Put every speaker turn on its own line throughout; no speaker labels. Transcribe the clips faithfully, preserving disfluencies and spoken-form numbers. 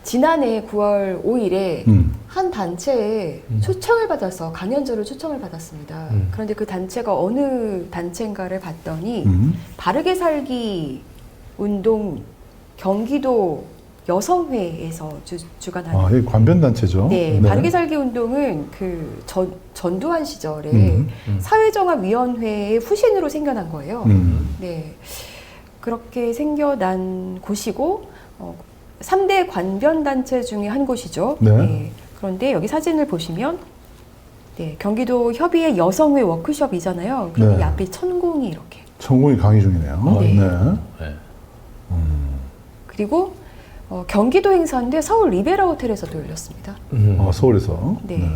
지난해 구월 오일에
음.
한 단체에
음.
초청을 받아서 강연자로 초청을 받았습니다.
음.
그런데 그 단체가 어느 단체인가를 봤더니
음.
바르게 살기 운동 경기도 여성회에서 주, 주관하는
아, 이 관변단체죠.
네, 바르게 살기 운동은 그 전, 전두환 시절에
음.
음.
사회정화위원회의 후신으로 생겨난 거예요.
음.
네, 그렇게 생겨난 곳이고 어, 삼 대 관변단체 중에 한 곳이죠.
네.
그런데 여기 사진을 보시면 네, 경기도 협의회 여성회 워크숍이잖아요. 그런데
네.
이 앞에 천공이 이렇게
천공이 강의 중이네요.
네.
네.
그리고 어, 경기도 행사인데 서울 리베라 호텔에서도 열렸습니다.
음.
어, 서울에서.
네.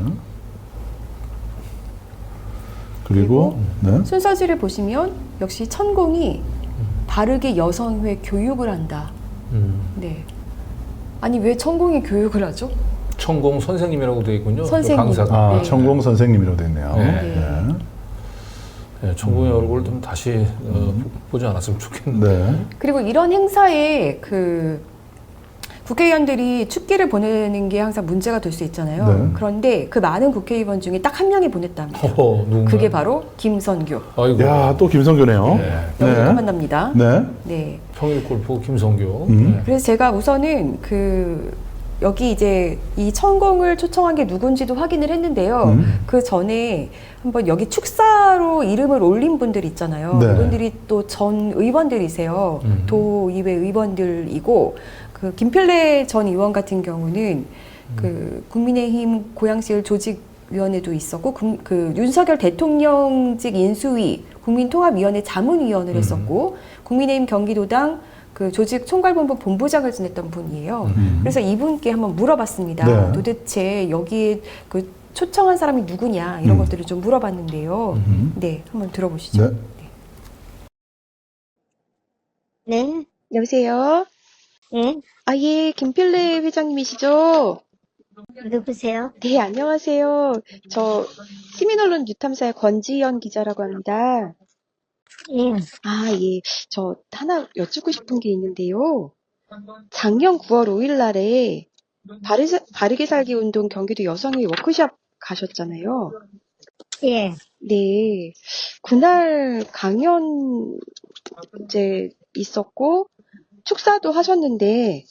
그리고, 네.
순서지를 보시면 역시 천공이 바르게 여성회 교육을 한다.
음.
네. 아니 왜 천공이 교육을 하죠?
천공 선생님이라고 되어 있군요.
선생님.
그 강사가.
아,
네.
천공 선생님이라고 되어 있네요.
네.
네.
네, 천공의 얼굴을 좀 다시 어, 보- 보지 않았으면 좋겠는데.
네.
그리고 이런 행사에 그 국회의원들이 축기를 보내는 게 항상 문제가 될 수 있잖아요.
네.
그런데 그 많은 국회의원 중에 딱 한 명이 보냈답니다.
허허, 누군가.
그게 바로 김선교.
아이고.
야, 또 김성교네요.
네.
여기서
네.
만납니다.
네.
네.
평일골프 김성교.
음.
네.
그래서 제가 우선은 그 여기 이제 이 천공을 초청한 게 누군지도 확인을 했는데요.
음.
그 전에 한번 여기 축사로 이름을 올린 분들 있잖아요.
네.
그분들이 또 전 의원들이세요.
음.
도의회 의원들이고 그 김필래 전 의원 같은 경우는 그 국민의힘 고양시을 조직위원회도 있었고 그, 그 윤석열 대통령직 인수위 국민통합위원회 자문위원을
음.
했었고 국민의힘 경기도당 그 조직 총괄본부 본부장을 지냈던 분이에요.
음.
그래서 이분께 한번 물어봤습니다.
네.
도대체 여기에 그 초청한 사람이 누구냐 이런
음.
것들을 좀 물어봤는데요.
음.
네, 한번 들어보시죠.
네.
네,
여보세요.
예,
아, 예, 김필래 회장님이시죠?
누구세요?
네, 안녕하세요. 저 시민언론 뉴탐사의 권지연 기자라고 합니다.
예,
아, 예. 저 하나 여쭙고 싶은 게 있는데요. 작년 구월 오일 날에 바르, 바르게 살기 운동 경기도 여성의 워크숍 가셨잖아요.
예,
네. 그날 강연 이제 있었고 축사도 하셨는데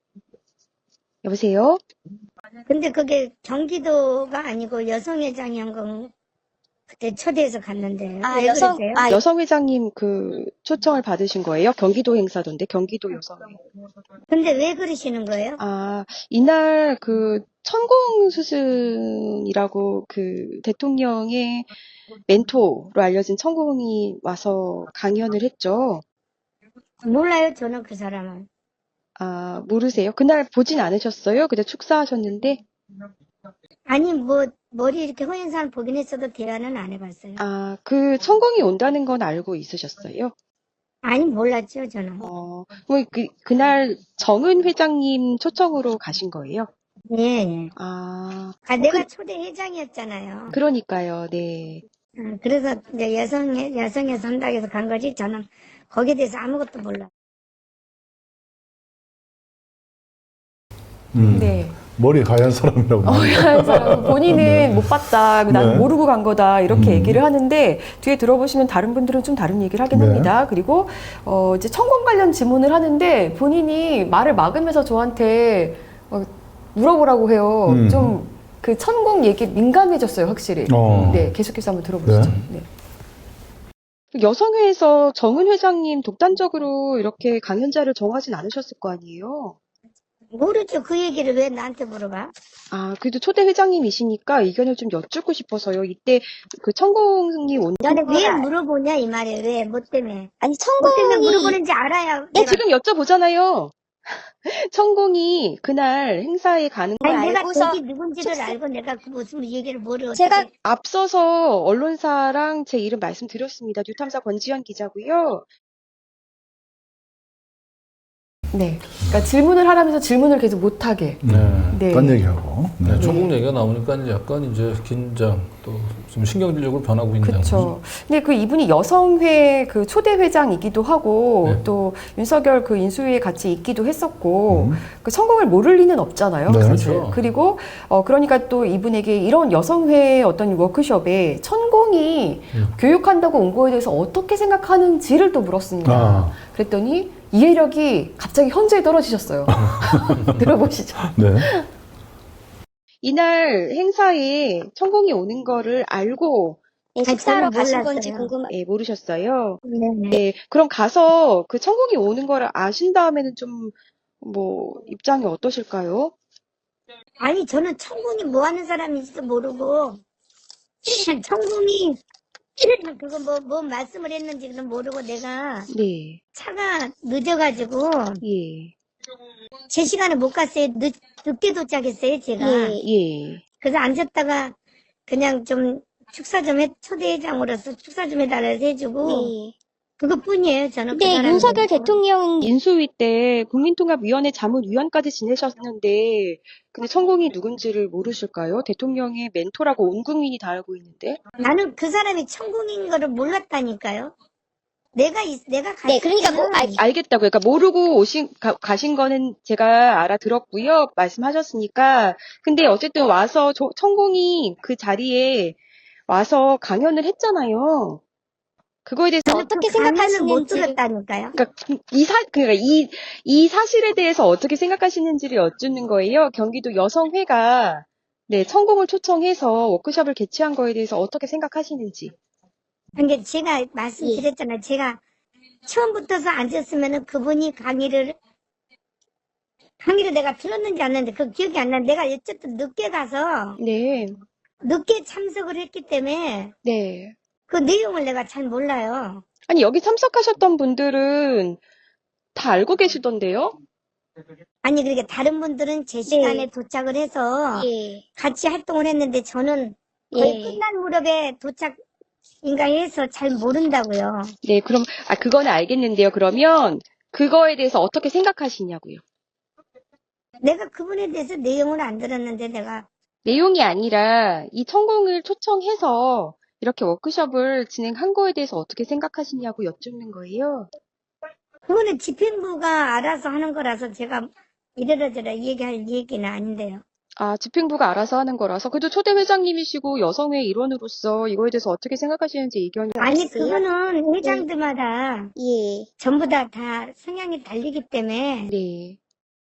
여보세요?
근데 그게 경기도가 아니고 여성회장이 한 건 그때 초대해서 갔는데.
아,
왜
여성-
그러세요?
아,
여성 회장님 그 초청을 받으신 거예요? 경기도 행사던데 경기도 여성회.
근데 왜 그러시는 거예요?
아, 이날 그 천공 스승이라고 그 대통령의 멘토로 알려진 천공이 와서 강연을 했죠.
몰라요, 저는 그 사람은.
아, 모르세요? 그날 보진 않으셨어요? 그때 축사하셨는데?
아니, 뭐, 머리 이렇게 허연 사람 보긴 했어도 대화는 안 해봤어요.
아, 그 천공이 온다는 건 알고 있으셨어요?
아니, 몰랐죠, 저는.
어, 뭐 그, 그날 정은 회장님 초청으로 가신 거예요?
예, 예.
아,
아, 내가 초대 회장이었잖아요.
그러니까요, 네.
어, 그래서 이제 여성회, 여성회 선당에서 간 거지, 저는 거기에 대해서 아무것도 몰라.
음.
네.
머리 하얀 사람이라고.
그래서 본인은
네.
못 봤다, 난
네.
모르고 간 거다 이렇게
음.
얘기를 하는데 뒤에 들어보시면 다른 분들은 좀 다른 얘기를 하긴
네.
합니다. 그리고 어, 이제 천공 관련 질문을 하는데 본인이 말을 막으면서 저한테 어, 물어보라고 해요.
음.
좀 그 천공 얘기 민감해졌어요, 확실히.
어.
네, 계속해서 한번 들어보시죠. 네. 여성회에서 정은 회장님 독단적으로 이렇게 강연자를 정하진 않으셨을 거 아니에요?
모르죠. 그 얘기를 왜 나한테 물어봐?
아, 그래도 초대 회장님이시니까 의견을 좀 여쭙고 싶어서요. 이때 그 천공이 온.
나는 왜 물어보냐, 이 말이에요. 왜? 뭐 때문에?
아니
뭐 때문에
천공이
물어보는지 알아야.
네,
내가-
지금 여쭤보잖아요. 천공이 그날 행사에 가는 거
아니, 내가
알고서
거기 누군지를
축사-
알고 내가 그 무슨 얘기를 모르고.
제가
앞서서 언론사랑 제 이름 말씀드렸습니다. 뉴탐사 권지현 기자고요. 네. 그러니까 질문을 하라면서 질문을 계속 못하게.
네.
네.
딴 얘기하고. 네.
네, 천국 얘기가 나오니까 이제 약간 이제 긴장 또 좀 신경질적으로 변하고 있는
그렇죠. 근데 그 이분이 여성회 그 초대 회장이기도 하고
네.
또 윤석열 그 인수위에 같이 있기도 했었고
음.
그 성공을 모를 리는 없잖아요.
네.
사실.
그렇죠.
그리고 어 그러니까 또 이분에게 이런 여성회 어떤 워크숍에 천공이
음.
교육한다고 온 거에 대해서 어떻게 생각하는지를 또 물었습니다.
아.
그랬더니 이해력이 갑자기 현저히 떨어지셨어요. 들어보시죠.
네.
이날 행사에 천공이 오는 거를 알고
아니,
식사하러
저는
가신
몰랐어요.
건지 궁금해. 예, 모르셨어요.
네네.
네, 그럼 가서 그 천공이 오는 거를 아신 다음에는 좀 뭐 입장이 어떠실까요?
아니, 저는 천궁이 뭐 하는 사람인지도 모르고, 천궁이 그거 뭐, 뭐 말씀을 했는지는 모르고 내가
네,
차가 늦어가지고
예,
제 시간에 못 갔어요. 늦, 늦게 도착했어요, 제가.
예.
그래서 앉았다가 그냥 좀 축사 좀 해, 초대회장으로서 축사 좀 해달라고 해주고,
네.
그것뿐이에요, 저는. 그
근데
사람이.
윤석열 대통령
인수위 때 국민통합위원회 자문위원까지 지내셨는데, 근데 천공이 누군지를 모르실까요? 대통령의 멘토라고 온 국민이 다 알고 있는데.
나는 그 사람이 천궁인 거를 몰랐다니까요. 내가, 있- 내가 갔을
네, 그러니까 뭐,
때는
아,
알겠다고요. 그러니까 모르고 오신 가, 가신 거는 제가 알아들었고요. 말씀하셨으니까. 근데 어쨌든 와서 저, 천공이 그 자리에 와서 강연을 했잖아요. 그거에 대해서
저는
어떻게
그 강연을 못
생각하시는지를-
들었다니까요.
그러니까 이 사, 그러니까 이, 이 사실에 대해서 어떻게 생각하시는지를 여쭙는 거예요. 경기도 여성회가 네, 천공을 초청해서 워크숍을 개최한 거에 대해서 어떻게 생각하시는지.
그러니까 제가 말씀드렸잖아요. 제가 처음부터서 앉았으면은 그분이 강의를 강의를 내가 들었는지 안 했는데 그 기억이 안 나는데 내가 어쨌든 늦게 가서
네,
늦게 참석을 했기 때문에
네.
그 내용을 내가 잘 몰라요.
아니, 여기 참석하셨던 분들은 다 알고 계시던데요?
아니 그러니까 다른 분들은 제 시간에 도착을 해서
예,
같이 활동을 했는데 저는 거의
예.
끝난 무렵에 도착인가 해서 잘 모른다고요.
네, 그럼, 아, 그거는 알겠는데요. 그러면 그거에 대해서 어떻게 생각하시냐고요.
내가 그분에 대해서 내용을 안 들었는데 내가
내용이 아니라 이 천공을 초청해서 이렇게 워크숍을 진행한 거에 대해서 어떻게 생각하시냐고 여쭙는 거예요.
그거는 집행부가 알아서 하는 거라서 제가 이래라저래 얘기할 얘기는 아닌데요.
아, 집행부가 알아서 하는 거라서. 그래도 초대 회장님이시고 여성회 일원으로서 이거에 대해서 어떻게 생각하시는지 의견이.
아니
알았어요.
그거는 회장들마다
예.
전부 다 다 성향이 다르기 때문에
네.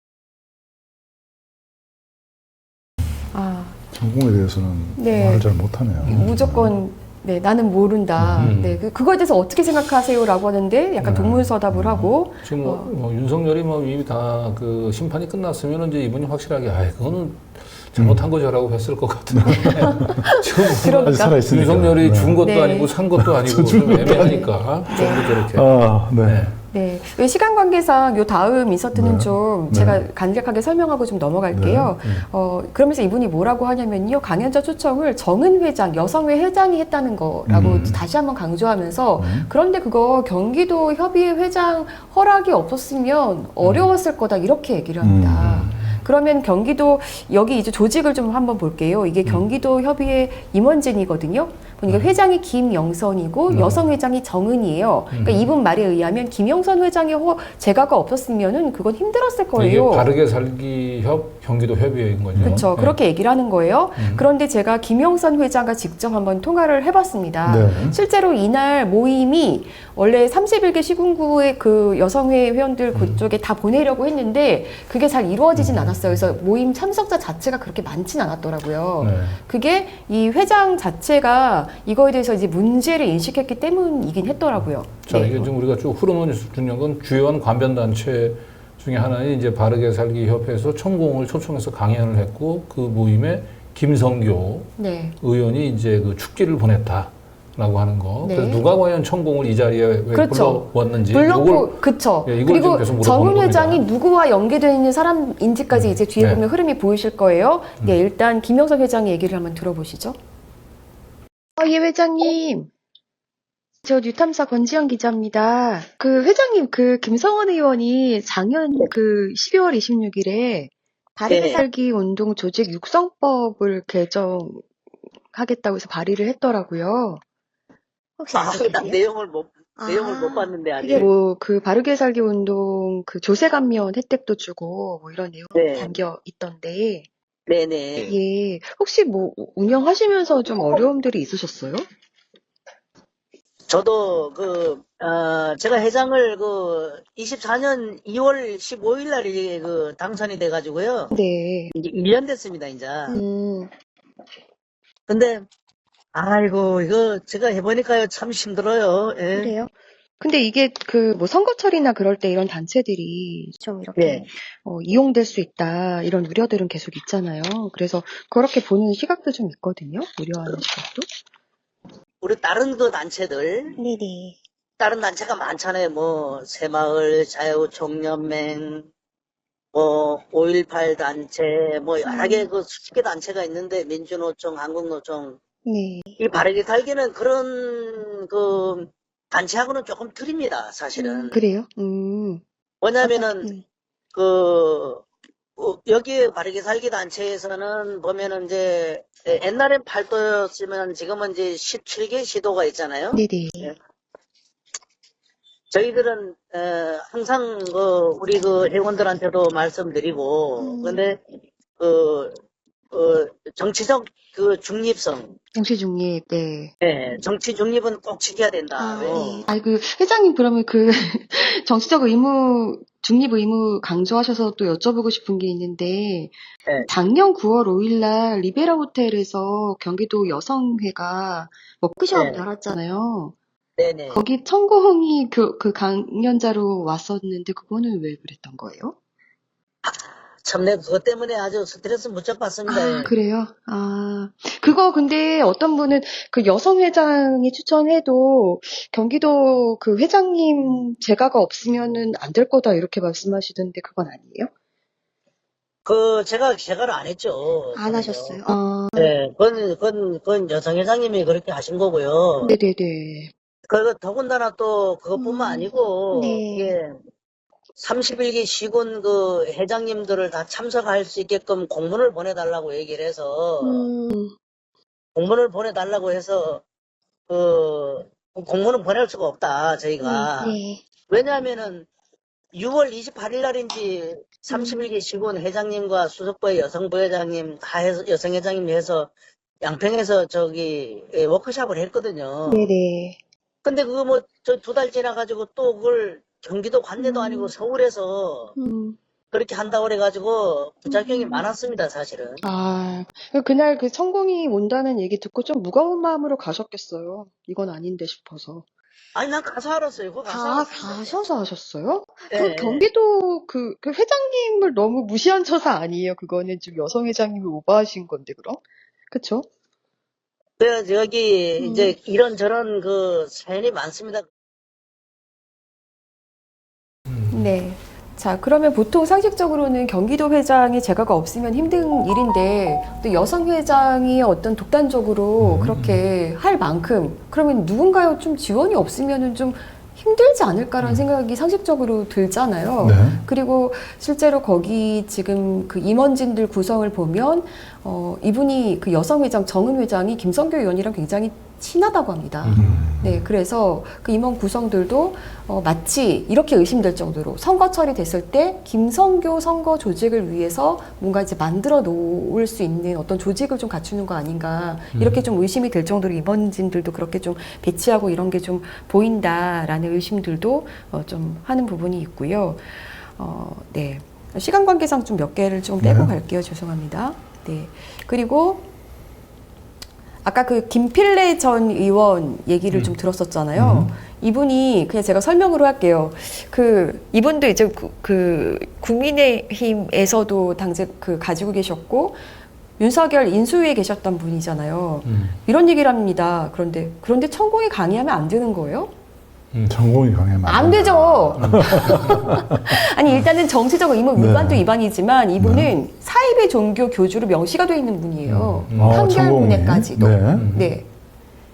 아,
천공에 대해서는
네.
말을 잘 못하네요.
무조건 네 나는 모른다.
음.
네 그- 그거에 대해서 어떻게 생각하세요라고 하는데 약간
네.
동문서답을 하고
지금 뭐, 뭐 윤석열이 뭐 이미 다 그 심판이 끝났으면 이제 이분이 확실하게 아 그거는 잘못한 거죠라고 했을 것 같은데 지금
그러니까.
아직 살아있으니까.
윤석열이
네.
준 것도
네.
아니고 산 것도 아니고
준
좀
것도
애매하니까 좀더 저렇게.
아, 네.
네.
네, 왜 시간 관계상 요 다음 인서트는
네.
좀
네.
제가 간략하게 설명하고 좀 넘어갈게요.
네. 음.
어, 그러면서 이분이 뭐라고 하냐면요. 강연자 초청을 정은 회장, 여성회 회장이 했다는 거라고
음.
다시 한번 강조하면서
음.
그런데 그거 경기도 협의회 회장 허락이 없었으면 어려웠을 거다 이렇게 얘기를 합니다.
음.
그러면 경기도 여기 이제 조직을 좀 한번 볼게요. 이게 경기도 협의회 임원진이거든요. 보니까 회장이 김영선이고
음.
여성 회장이 정은이에요. 그러니까
음.
이분 말에 의하면 김영선 회장의 허, 제가가 없었으면은 그건 힘들었을
이게
거예요.
바르게 살기 협 경기도 협의회인 거죠.
그렇죠.
네.
그렇게 얘기를 하는 거예요.
음.
그런데 제가 김영선 회장과 직접 한번 통화를 해봤습니다.
네.
실제로 이날 모임이 원래 삼십일 개 시군구의 그 여성회 회원들 그쪽에 다 보내려고 했는데 그게 잘 이루어지진 않았어요. 그래서 모임 참석자 자체가 그렇게 많진 않았더라고요.
네.
그게 이 회장 자체가 이거에 대해서 이제 문제를 인식했기 때문이긴 했더라고요.
자,
네.
이게 지금 우리가 쭉 흐름은 중요한 건 주요한 관변단체 중에 하나인 이제 바르게 살기 협회에서 천공을 초청해서 강연을 했고 그 모임에 김성교
네.
의원이 이제 그 축지를 보냈다라고 하는 거.
네.
그래서 누가 과연 천공을 이 자리에 왜
그렇죠.
불러왔는지.
물론
요걸
그쵸.
예, 이걸 지금
그리고
계속 물어보는
정은
겁니다.
회장이 누구와 연계되어 있는 사람인지까지 이제 뒤에
네.
보면 흐름이 보이실 거예요. 네, 일단 김영선 회장의 얘기를 한번 들어보시죠.
어, 예, 회장님. 저 뉴탐사 권지영 기자입니다. 그 회장님, 그 김성원 의원이 작년 그 십이월 이십육일에 바르게
네.
살기 운동 조직 육성법을 개정하겠다고 해서 발의를 했더라고요.
혹시
아,
알고
난
계세요?
내용을 못, 내용을
아,
못 봤는데, 아직.
이게 뭐 그 바르게 살기 운동 그 조세 감면 혜택도 주고 뭐 이런 내용이
네.
담겨 있던데,
네네.
예, 혹시 뭐 운영하시면서 좀 어려움들이 있으셨어요?
저도 그, 어, 제가 회장을 그, 이십사년 이월 십오일 날 이제 그 당선이 돼가지고요.
네.
이제 일 년 됐습니다, 이제.
음,
근데, 아이고, 이거 제가 해보니까요, 참 힘들어요. 예.
그래요? 근데 이게 그 뭐 선거철이나 그럴 때 이런 단체들이 좀 이렇게
예.
어, 이용될 수 있다 이런 우려들은 계속 있잖아요. 그래서 그렇게 보는 시각도 좀 있거든요. 우려하는 시각도.
우리 다른 그 단체들,
네네.
다른 단체가 많잖아요. 뭐, 새마을 자유총연맹, 뭐, 오일팔 단체, 뭐, 여러 개 그 수십 개 단체가 있는데, 민주노총, 한국노총,
네.
이 바르게 살기는 그런 그 단체하고는 조금 틀립니다, 사실은.
그래요? 음.
왜냐면은
음.
그 어, 여기 바르게 살기 단체에서는 보면은 이제 옛날엔 팔 도였으면 지금은 이제 십칠 개 시도가 있잖아요.
네네.
저희들은 에, 항상 그 우리 그 회원들한테도 말씀드리고, 근데 그 어, 정치적 그 중립성,
정치 중립, 네.
예, 정치 중립은 꼭 지켜야 된다.
아, 네. 아니, 그, 회장님, 그러면 그, 정치적 의무, 중립 의무 강조하셔서 또 여쭤보고 싶은 게 있는데,
네.
작년 구월 오일날 리베라 호텔에서 경기도 여성회가 워크숍
네.
열었잖아요.
네네.
거기 천공이 그, 그 강연자로 왔었는데, 그거는 왜 그랬던 거예요?
참, 내가 그것 때문에 아주 스트레스 무척 받습니다.
아, 그래요? 아, 그거 근데 어떤 분은 그 여성 회장이 추천해도 경기도 그 회장님 재가가 없으면은 안 될 거다 이렇게 말씀하시던데 그건 아니에요?
그, 제가 제가를 안 했죠.
안 하셨어요?
아,
네, 그건, 그건, 그건 여성 회장님이 그렇게 하신 거고요.
네네네.
그, 더군다나 또 그것뿐만
음,
아니고,
네.
이게 삼십일 기 시군 그 회장님들을 다 참석할 수 있게끔 공문을 보내달라고 얘기를 해서,
음,
공문을 보내달라고 해서, 그, 공문을 보낼 수가 없다, 저희가.
네.
왜냐하면은, 유월 이십팔일 날인지 삼십일 기 시군 회장님과 수석부의 여성부회장님, 다 해서, 여성회장님 해서 양평에서 저기 예, 워크숍을 했거든요.
네네.
근데 그거 뭐 저 두 달 지나가지고 또 그걸 경기도 관내도 아니고 서울에서
음.
그렇게 한다고 그래가지고 부작용이 많았습니다, 사실은.
아, 그날 그 천공이 온다는 얘기 듣고 좀 무거운 마음으로 가셨겠어요. 이건 아닌데 싶어서.
아니, 난 가서 알았어요. 그거 가서
다
알았습니다.
가셔서 하셨어요?
예,
그럼
예.
경기도 그, 그 회장님을 너무 무시한 처사 아니에요? 그거는 좀 여성 회장님이 오버하신 건데, 그럼? 그쵸?
그래서 여기
음.
이제 이런저런 그 사연이 많습니다.
네. 자, 그러면 보통 상식적으로는 경기도 회장이 재가가 없으면 힘든 일인데 또 여성 회장이 어떤 독단적으로 그렇게 할 만큼 그러면 누군가요 좀 지원이 없으면은 좀 힘들지 않을까라는 생각이 상식적으로 들잖아요.
네.
그리고 실제로 거기 지금 그 임원진들 구성을 보면 어, 이분이 그 여성 회장 정은 회장이 김성교 의원이랑 굉장히 친하다고 합니다.
음.
네, 그래서 그 임원 구성들도 어, 마치 이렇게 의심될 정도로 선거철이 됐을 때 김성교 선거 조직을 위해서 뭔가 이제 만들어 놓을 수 있는 어떤 조직을 좀 갖추는 거 아닌가 이렇게 좀 의심이 될 정도로 임원진들도 그렇게 좀 배치하고 이런 게 좀 보인다라는 의심들도 어, 좀 하는 부분이 있고요. 어, 네. 시간 관계상 좀 몇 개를 좀 떼고
네.
갈게요. 죄송합니다. 네. 그리고 아까 그 김필래 전 의원 얘기를
음.
좀 들었었잖아요. 이분이 그냥 제가 설명으로 할게요. 그 이분도 이제 그, 그 국민의힘에서도 당시 그 가지고 계셨고 윤석열 인수위에 계셨던 분이잖아요.
음.
이런 얘기를 합니다. 그런데 그런데 천공이 강의하면 안 되는 거예요?
음.
전공이 강하면
안 되죠. 아니 일단은 정치적 의무
네.
위반도 위반이지만 이분은 사입의 종교 교주로 명시가 되어 있는 분이에요.
음.
아,
판결문에까지도.
전공이. 네.
네.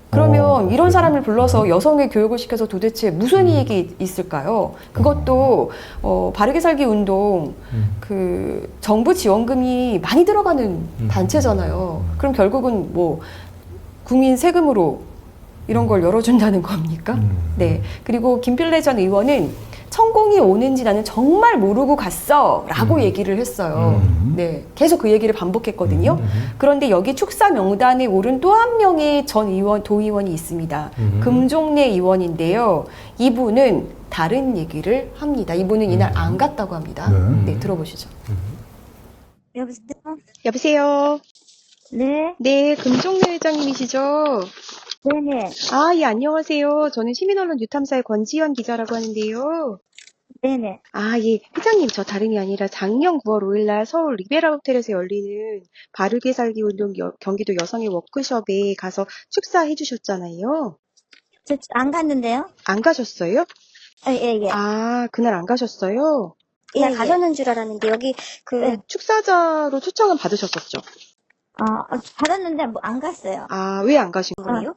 그러면
어,
이런
그래요?
사람을 불러서 여성의 교육을 시켜서 도대체 무슨 이익이 있을까요? 그것도 어, 바르게 살기 운동
음.
그 정부 지원금이 많이 들어가는
음.
단체잖아요. 그럼 결국은 뭐 국민 세금으로 이런 걸 열어준다는 겁니까?
음.
네. 그리고 김필래 전 의원은 천공이 오는지 나는 정말 모르고 갔어 라고
음.
얘기를 했어요.
음.
네. 계속 그 얘기를 반복했거든요.
음.
그런데 여기 축사 명단에 오른 또 한 명의 전 의원, 도의원이 있습니다.
음.
금종래 의원인데요. 이분은 다른 얘기를 합니다. 이분은 이날
음.
안 갔다고 합니다.
네.
네, 들어보시죠.
여보세요?
여보세요.
네,
네, 금종래 회장님이시죠?
네네,
아, 예, 안녕하세요. 저는 시민언론 뉴탐사의 권지현 기자라고 하는데요.
네네.
아, 예. 회장님, 저 다름이 아니라 작년 구월 오일날 서울 리베라 호텔에서 열리는 바르게 살기 운동 여- 경기도 여성의 워크숍에 가서 축사해 주셨잖아요.
저 안 갔는데요?
안 가셨어요?
예, 예, 예.
아, 그날 안 가셨어요?
그냥 가셨는 줄 알았는데, 여기, 그,
네, 축사자로 초청은 받으셨었죠?
어, 받았는데, 뭐, 안 갔어요.
아, 왜 안 가신 거예요?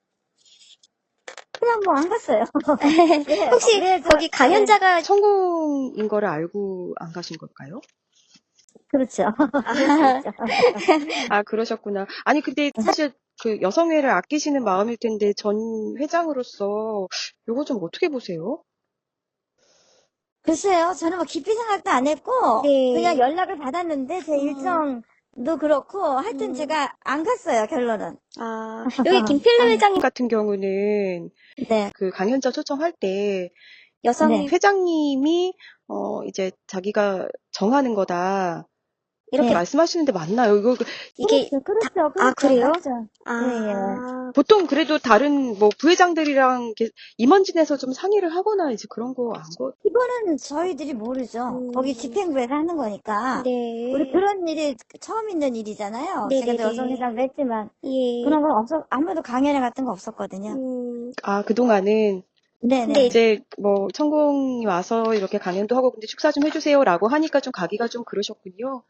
그냥 뭐, 안 갔어요. 네,
혹시
네, 저-
거기 강연자가
성공인 거를 알고 안 가신 걸까요?
그렇죠.
아, 그러셨구나. 아니, 근데 사실 그 여성회를 아끼시는 마음일 텐데 전 회장으로서 요거 좀 어떻게 보세요?
글쎄요, 저는 뭐 깊이 생각도 안 했고,
네.
그냥 연락을 받았는데, 제 일정도 그렇고, 하여튼
음.
제가 안 갔어요, 결론은.
아, 여기 김필래 회장님
같은 경우는
네.
그 강연자 초청할 때
여성
네.
회장님이 어 이제 자기가 정하는 거다 이렇게
네.
말씀하시는데 맞나요? 이거 그-
이게
그렇죠, 그렇죠.
아, 그래요?
그렇죠.
아,
보통 그래도 다른 뭐 부회장들이랑 이렇게 임원진에서 좀 상의를 하거나 이제 그런 거 안 거.
이거는 저희들이 모르죠.
음.
거기 집행부에서 하는 거니까.
네.
우리 그런 일이 처음 있는 일이잖아요.
네네네.
제가 여성회장도 했지만,
예.
그런 건 없어, 아무도 강연회 같은 거 없었거든요.
음,
아, 그동안은
네네.
근데
이제 뭐 천공이 와서 이렇게 강연도 하고 근데 축사 좀 해주세요라고 하니까 좀 가기가 좀 그러셨군요.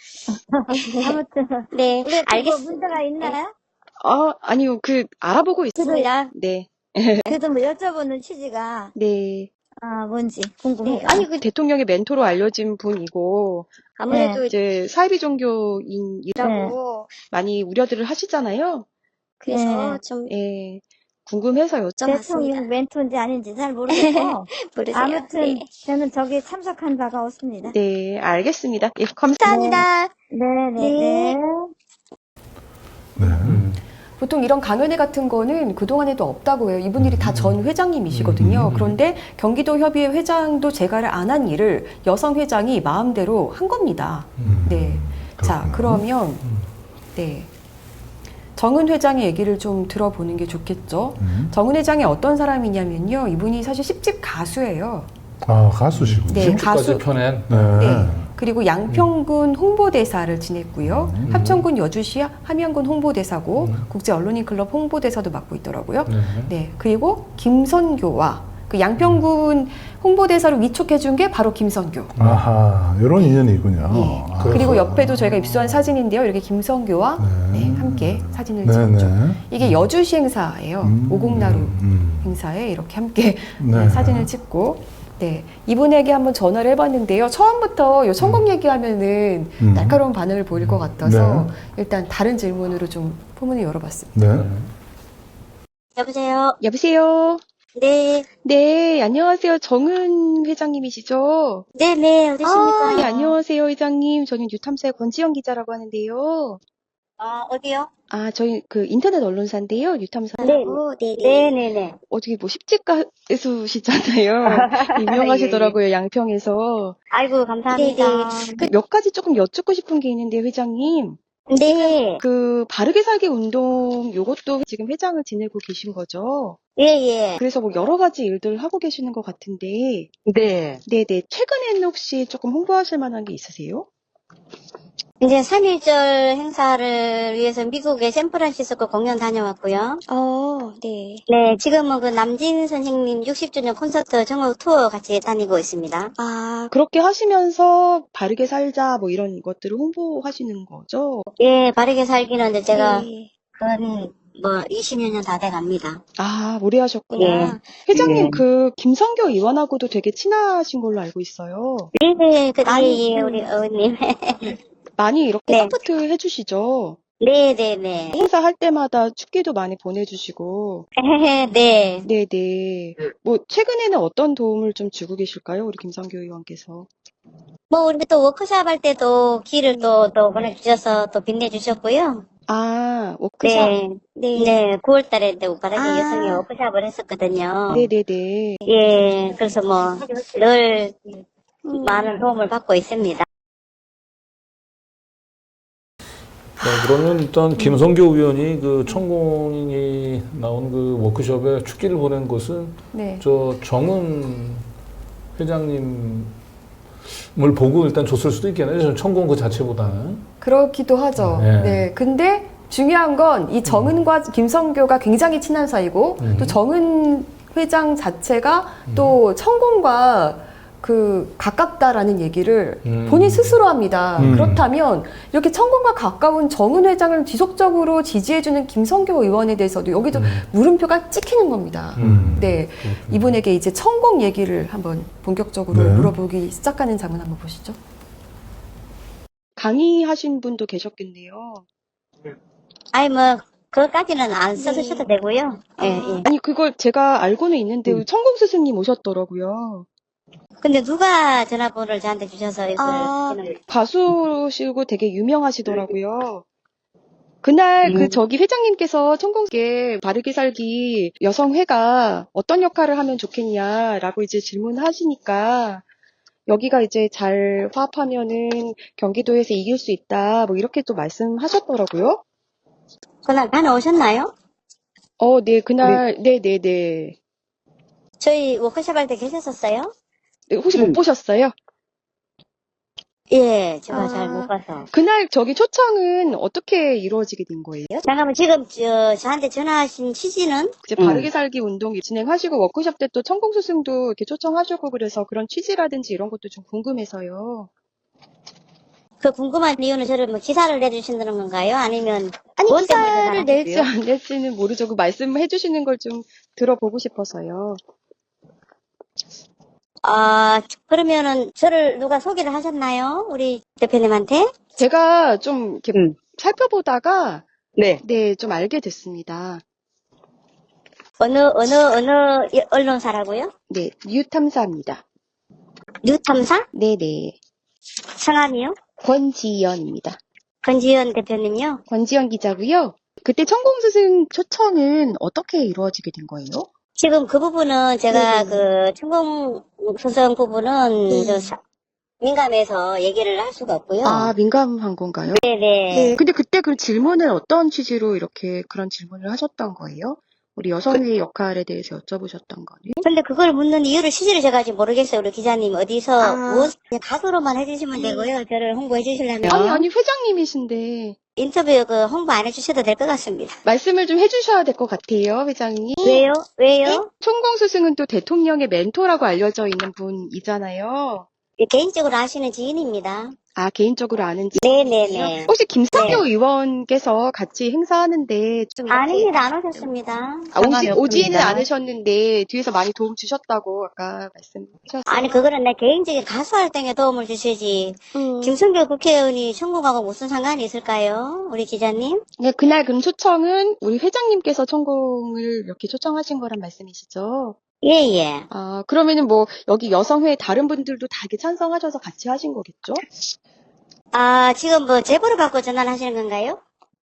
아무튼.
네,
왜 그거
알겠습니다.
문제가 있나요?
아, 아니요. 그 알아보고 있어요.
그래야,
네.
그래도 뭐 여쭤보는 취지가,
네.
아, 뭔지
네,
궁금해요.
아니, 그,
대통령의 멘토로 알려진 분이고
아무래도
이제 사이비 종교인이라고
이라고,
많이 우려들을 하시잖아요.
그래서
네.
좀
예. 궁금해서 여쭤.
대통령 멘토인지 아닌지 잘 모르겠고,
모르세요.
아무튼
네.
저는 저기 참석한 바가 없습니다.
네, 알겠습니다. 예, 감사합니다.
감사합니다.
네네.
네.
네.
음.
보통 이런 강연회 같은 거는 그동안에도 없다고 해요. 이분들이 다 전 회장님이시거든요.
음.
그런데 경기도 협의회 회장도 제가를 안 한 일을 여성 회장이 마음대로 한 겁니다.
음.
네. 자,
그렇구나.
그러면 네. 정은 회장의 얘기를 좀 들어보는 게 좋겠죠.
음.
정은 회장이 어떤 사람이냐면요. 이분이 사실 십 집 가수예요.
아, 가수시군요.
네,
십주까지
가수-
펴낸
네.
네. 그리고 양평군 홍보대사를 지냈고요.
음.
합천군 여주시 함양군 홍보대사고
음.
국제언론인클럽 홍보대사도 맡고 있더라고요.
네.
네. 그리고 김선교와 그 양평군 홍보대사로 위촉해준 게 바로 김선교.
아하, 이런 인연이 있군요.
예.
아,
그리고 옆에도 저희가 입수한 사진인데요. 이렇게 김선교와
네.
네, 함께 사진을
네,
찍었죠.
네.
이게 여주시 행사예요.
음,
오곡나루
음.
행사에 이렇게 함께
네.
네, 사진을 찍고 네, 이분에게 한번 전화를 해봤는데요. 처음부터 요 천공 얘기하면은
음.
날카로운 반응을 보일 것 같아서
네.
일단 다른 질문으로 좀 포문을 열어봤습니다.
네.
여보세요?
여보세요?
네.
네, 안녕하세요. 정은 회장님이시죠?
네네, 어디십니까?
아, 예, 안녕하세요, 회장님. 저는 뉴탐사의 권지영 기자라고 하는데요.
아, 어디요?
아, 저희 그 인터넷 언론사인데요, 뉴탐사.
네. 네네. 네네네.
어떻게 뭐 십집 가수시잖아요. 유명하시더라고요, 양평에서.
아이고, 감사합니다.
그 몇 가지 조금 여쭙고 싶은 게 있는데, 회장님.
네.
그 바르게 살기 운동 요것도 지금 회장을 지내고 계신 거죠?
예, 예.
그래서 뭐 여러 가지 일들을 하고 계시는 것 같은데.
네.
네네. 최근에는 혹시 조금 홍보하실 만한 게 있으세요?
이제 삼일절 행사를 위해서 미국의 샌프란시스코 공연 다녀왔고요.
어, 네.
네, 지금은 그 남진 선생님 육십 주년 콘서트 전국 투어 같이 다니고 있습니다.
아, 그렇게 하시면서 바르게 살자 뭐 이런 것들을 홍보하시는 거죠?
예, 바르게 살기는 이제 제가
네.
그건 뭐 이십여 년 다 돼갑니다.
아, 오래 하셨구나.
예.
회장님,
예.
그 김성교 의원하고도 되게 친하신 걸로 알고 있어요.
네, 그, 예, 예,
음.
우리 어머님.
많이 이렇게
네.
서포트 해주시죠.
네, 네, 네.
행사 할 때마다 축기도 많이 보내주시고.
네.
네네. 뭐, 최근에는 어떤 도움을 좀 주고 계실까요? 우리 김성교 의원께서.
뭐, 우리 또 워크샵 할 때도 길을 또, 또 보내주셔서 또 빛내주셨고요.
아, 워크샵.
네. 네. 구월 달에 또 바닥에
아.
여성이 워크샵을 했었거든요.
네네네.
예, 그래서 뭐, 늘 많은 도움을 받고 있습니다.
네, 그러면 일단 김성교 의원이 그 천공이 나온 그 워크숍에 축기를 보낸 것은
네.
저 정은 회장님을 보고 일단 줬을 수도 있겠네요. 천공 그 자체보다는.
그렇기도 하죠.
네.
네. 근데 중요한 건 이 정은과 김성교가 굉장히 친한 사이고
음.
또 정은 회장 자체가
음.
또 천공과 그 가깝다라는 얘기를
음.
본인 스스로 합니다.
음.
그렇다면 이렇게 천공과 가까운 정은 회장을 지속적으로 지지해주는 김성교 의원에 대해서도 여기도
음.
물음표가 찍히는 겁니다.
음.
네,
그렇군요.
이분에게 이제 천공 얘기를 한번 본격적으로
네.
물어보기 시작하는 장면 한번 보시죠.
강의하신 분도 계셨겠네요.
아니, 뭐, 그것까지는 안 써주셔도 되고요. 예, 예.
아니, 그걸 제가 알고는 있는데,
음.
천공 스승님 오셨더라고요.
근데 누가 전화번호를 저한테 주셔서 이걸
아.
하시는
가수시고 되게 유명하시더라고요. 그날 그
음.
저기 회장님께서 천공께 바르게 살기 여성회가 어떤 역할을 하면 좋겠냐라고 이제 질문하시니까 여기가 이제 잘 화합하면은 경기도에서 이길 수 있다 뭐 이렇게 또 말씀하셨더라고요.
그날 다녀오셨나요?
어, 네, 그날, 네, 네, 네.
저희 워크숍 할 때 계셨었어요?
네, 혹시 못 보셨어요?
예, 제가
아.
잘 못 봐서.
그날 저기 초청은 어떻게 이루어지게 된 거예요?
잠깐만, 지금 저, 저한테 전화하신 취지는?
이제 바르게 살기 운동 진행하시고 워크숍 때 또 천공 스승도 이렇게 초청하시고 그래서 그런 취지라든지 이런 것도 좀 궁금해서요.
그 궁금한 이유는 저를 뭐 기사를 내주신다는 건가요? 아니면
아니,
뭐 때문에
기사를 낼지
전화하셨어요?
안 낼지는 모르죠. 그 말씀해 주시는 걸 좀 들어보고 싶어서요.
아, 그러면은 저를 누가 소개를 하셨나요? 우리 대표님한테?
제가 좀 이렇게
음.
살펴보다가
네.
네, 좀 알게 됐습니다.
어느, 어느, 어느 이- 언론사라고요?
네, 뉴탐사입니다.
뉴탐사?
네네.
성함이요?
권지연입니다.
권지현 대표님요?
권지연 기자고요. 그때 천공 스승 초청은 어떻게 이루어지게 된 거예요?
지금 그 부분은 제가
네네.
그 천공 소송 부분은
네.
저 사- 민감해서 얘기를 할 수가 없고요.
아, 민감한 건가요?
네네.
네. 근데 그때 그 질문은 어떤 취지로 이렇게 그런 질문을 하셨던 거예요? 우리 여성의 역할에 대해서 여쭤보셨던 거는?
근데 그걸 묻는 이유를 취지를 제가 지금 모르겠어요. 우리 기자님 어디서
아.
무엇 가수로만 해주시면 되고요. 저를 홍보해 주시려면
아니, 아니, 회장님이신데.
인터뷰 그 홍보 안 해주셔도 될 것 같습니다.
말씀을 좀 해주셔야 될 것 같아요, 회장님.
왜요? 왜요?
천공 스승은 또 대통령의 멘토라고 알려져 있는 분이잖아요.
예, 개인적으로 아시는 지인입니다.
아, 개인적으로 아는 지
네네네.
혹시 김성교 의원께서 같이 행사하는데 좀 이렇게-
아닙니다. 안 오셨습니다.
아, 오지,
상관이
오지는
없습니다.
않으셨는데 뒤에서 많이 도움 주셨다고 아까 말씀하셨어요.
아니 그거는 내 개인적인 가수 활동에 도움을 주시지.
음.
김성교 국회의원이 천공하고 무슨 상관이 있을까요? 우리 기자님?
네, 그날 그럼 초청은 우리 회장님께서 천공을 이렇게 초청하신 거란 말씀이시죠?
예예.
아, 그러면은 뭐 여기 여성회 다른 분들도 다 이렇게 찬성하셔서 같이 하신 거겠죠?
아 지금 뭐 제보를 받고 전화를 하시는 건가요?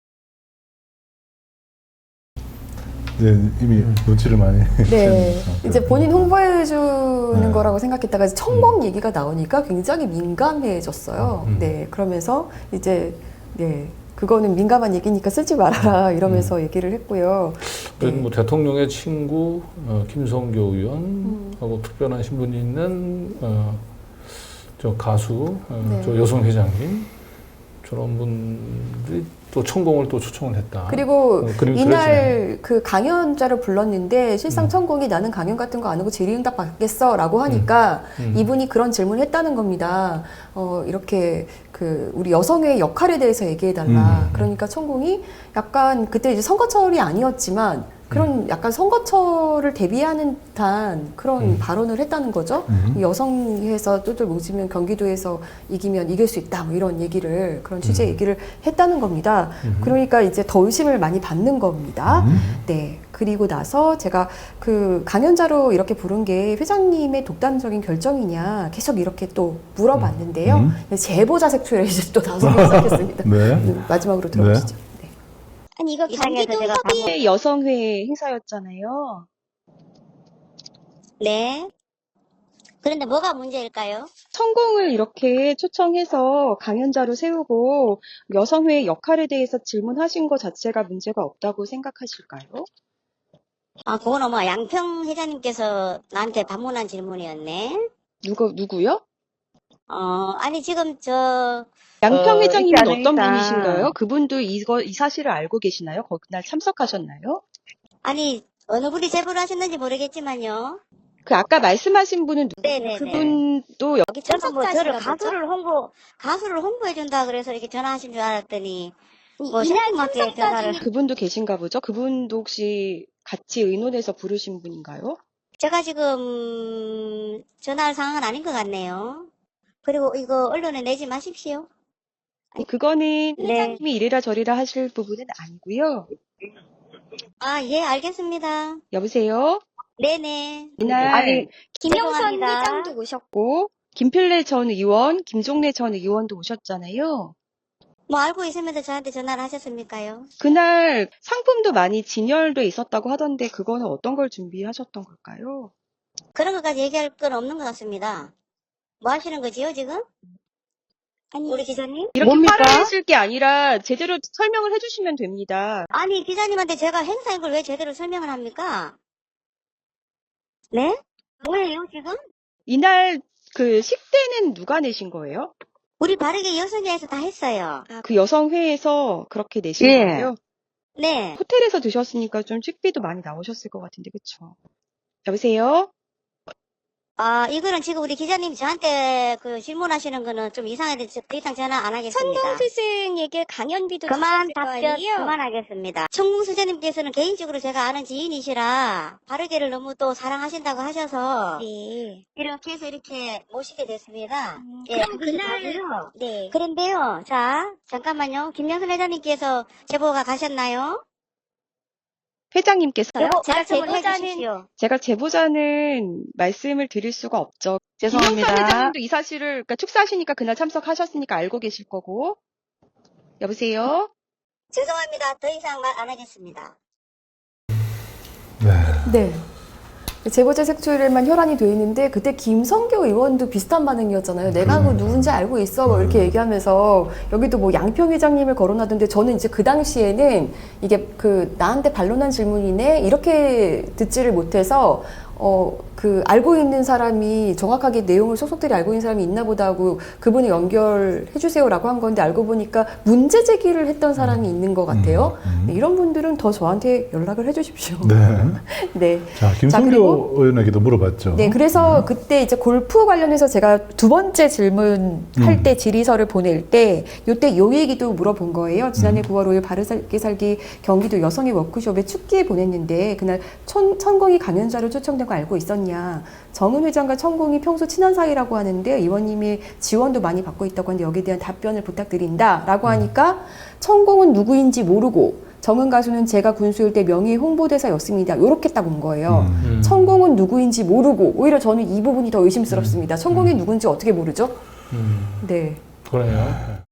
이제 이미 눈치를 많이
네.
채는
이제 본인 홍보해주는
네.
거라고 생각했다가 이제 천공 얘기가 나오니까 굉장히 민감해졌어요.
음.
네. 그러면서 이제, 네. 그거는 민감한 얘기니까 쓰지 말아라 이러면서 얘기를 했고요.
그래도
네.
뭐 대통령의 친구 어, 김성교
음.
의원하고 특별한 신분이 있는 어, 저 가수, 어,
네.
저 여성 회장님 저런 분들이 또 천공을 또 초청을 했다.
그리고
어, 그림
이날 그 강연자를 불렀는데 실상
음.
천공이 나는 강연 같은 거 안 하고 질의응답 받겠어 라고 하니까
음.
이분이 그런 질문을 했다는 겁니다. 어, 이렇게 그 우리 여성의 역할에 대해서 얘기해달라.
음.
그러니까 천공이 약간 그때 이제 선거철이 아니었지만 그런 약간 선거철을 대비하는 듯한 그런
음.
발언을 했다는 거죠.
음.
여성에서 똘똘 뭉치면 경기도에서 이기면 이길 수 있다. 뭐 이런 얘기를 그런 취재
음.
얘기를 했다는 겁니다.
음.
그러니까 이제 더 의심을 많이 받는 겁니다.
음.
네. 그리고 나서 제가 그 강연자로 이렇게 부른 게 회장님의 독단적인 결정이냐 계속 이렇게 또 물어봤는데요.
음.
제보자 색출에 이제 또 나서기 시작했습니다.
네.
음, 마지막으로 들어보시죠. 네.
아니 이거
이상해서
경기도
제가
협의
네, 여성회 행사였잖아요.
네. 그런데 뭐가 문제일까요?
천공을 이렇게 초청해서 강연자로 세우고 여성회의 역할에 대해서 질문하신 것 자체가 문제가 없다고 생각하실까요?
아, 그거는 뭐 양평 회장님께서 나한테 반문한 질문이었네.
누구, 누구요?
어, 아니 지금 저
양평
어,
회장님은
일단은
어떤
일단-
분이신가요? 그분도 이거, 이 사실을 알고 계시나요? 거기 날 참석하셨나요?
아니 어느 분이 제보를 하셨는지 모르겠지만요.
그 아까 말씀하신 분은 누구?
네네네.
그분도 여-
여기 저는 뭐 저를
참석자신가 보죠?
가수를 홍보 가수를 홍보해 준다 그래서 이렇게 전화하신 줄 알았더니 뭐
이날
신부한테 전화를
그분도 계신가 보죠? 그분도 혹시 같이 의논해서 부르신 분인가요?
제가 지금 전화할 상황은 아닌 것 같네요. 그리고 이거 언론에 내지 마십시오.
그거는
네.
회장님이 이래라 저래라 하실 부분은 아니고요.
아, 예, 알겠습니다.
여보세요?
네네.
이날
아니,
김영선
죄송합니다.
회장도
오셨고 김필래 전 의원, 김종래 전 의원도 오셨잖아요.
뭐 알고 있으면서 저한테 전화를 하셨습니까요?
그날 상품도 많이 진열돼 있었다고 하던데 그거는 어떤 걸 준비하셨던 걸까요?
그런 것까지 얘기할 건 없는 것 같습니다. 뭐 하시는 거지요, 지금? 아니, 우리 기자님?
이렇게
뭡니까?
화를 내실 게 아니라 제대로 설명을 해주시면 됩니다.
아니, 기자님한테 제가 행사인 걸 왜 제대로 설명을 합니까? 네? 뭐예요, 지금?
이날 그 식대는 누가 내신 거예요?
우리 바르게 여성회에서 다 했어요.
그 여성회에서 그렇게 내신
예.
거예요?
네.
호텔에서 드셨으니까 좀 식비도 많이 나오셨을 것 같은데, 그쵸? 여보세요?
아, 이거는 지금 우리 기자님이 저한테 그 질문하시는 거는 좀 이상해서 더 이상 전화 안 하겠습니다.
천공 스승에게 강연비도
그만
주셨을 거
답변
아니에요?
그만하겠습니다. 천궁 수재님께서는 개인적으로 제가 아는 지인이시라 바르게를 너무 또 사랑하신다고 하셔서
네.
이렇게 해서 이렇게 모시게 됐습니다.
음,
예,
그럼
그것이
그날
다고요.
네.
그런데요, 자 잠깐만요. 김명선 회장님께서 제보가 가셨나요?
회장님께서
여보,
제가
말씀을
제보자는
해주십시오.
제가 제보자는 말씀을 드릴 수가 없죠.
죄송합니다.
김영선 회장님도 이 사실을 그러니까 축사하시니까 그날 참석하셨으니까 알고 계실 거고. 여보세요?
죄송합니다. 더 이상 말 안 하겠습니다.
네.
네. 제보자 색출에만 혈안이 돼 있는데 그때 김성교 의원도 비슷한 반응이었잖아요. 내가 그 누군지 알고 있어 뭐 이렇게 얘기하면서 여기도 뭐 양평 회장님을 거론하던데 저는 이제 그 당시에는 이게 그 나한테 반론한 질문이네 이렇게 듣지를 못해서 어 그 알고 있는 사람이 정확하게 내용을 속속들이 알고 있는 사람이 있나 보다 하고 그분을 연결해 주세요라고 한 건데 알고 보니까 문제 제기를 했던 사람이 있는 것 같아요.
음, 음.
네, 이런 분들은 더 저한테 연락을 해 주십시오.
네.
네.
자, 김성교
그리고-
의원에게도 물어봤죠.
네, 그래서 그때 이제 골프 관련해서 제가 두 번째 질문 할
음.
때 질의서를 보낼 때 요때 요 얘기도 물어본 거예요. 지난해
음.
구월 오일 바르게 살기 경기도 여성의 워크숍에 축기에 보냈는데 그날 천, 천공이 강연자로 초청된 거 알고 있었냐. 정은 회장과 천공이 평소 친한 사이라고 하는데 의원님이 지원도 많이 받고 있다고 하는데 여기에 대한 답변을 부탁드린다 라고 하니까 천공은 누구인지 모르고 정은 가수는 제가 군수일 때 명예 홍보대사였습니다. 요렇게 딱 온 거예요.
음.
음.
천공은 누구인지 모르고 오히려 저는 이 부분이 더 의심스럽습니다. 천공이 누군지 어떻게 모르죠?
음,
네.
그래요.